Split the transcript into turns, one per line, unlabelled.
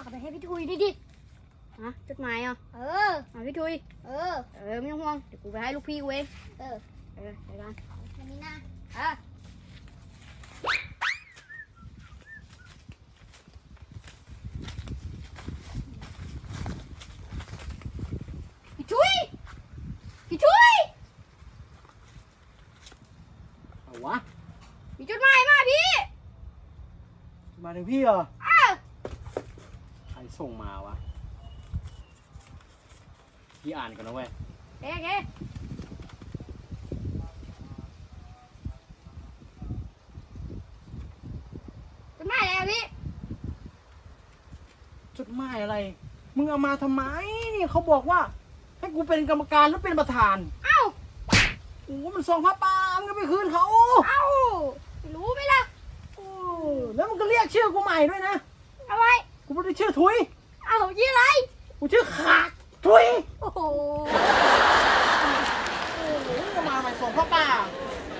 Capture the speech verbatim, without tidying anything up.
ากไปให้พี่ทุยดิดิฮะจดหมายอ่ะเออมาพี่ทุยเออเออไม่ต้องห่วงเดี๋ยวกูไปให้ลูกพี่กูเองเออเออไปกันแค่นี้นะเออพี่ทุยพี่ทุย
เอาวะ
มีจดหมายมาพี่
มาถึงพี่เหรอ
อ้าว
ใครส่งมาวะพี่อ่านก่อนนะเว้ย
เอ๊ะเอ๊ะจดหมายอะไรพี่
จดหมายอะไรมึงเอามาทำไมนี่เขาบอกว่าให้กูเป็นกรรมการแล้วเป็นประธาน
เอ้า
โอ้มันส่งพระปามึงก็ไปคืนเขา
เอ้ารู้ไหมล่ะ
โอ้แล้วมึงก็เรียกชื่อกูใหม่ด้วยนะ
เอาไว้
กูไม่ได้ชื่อทุย
เอ้ายี่อะไร
กูชื่อขาดทุย
โอ้โห
โอ้โหมาใหม่ส่งพระปา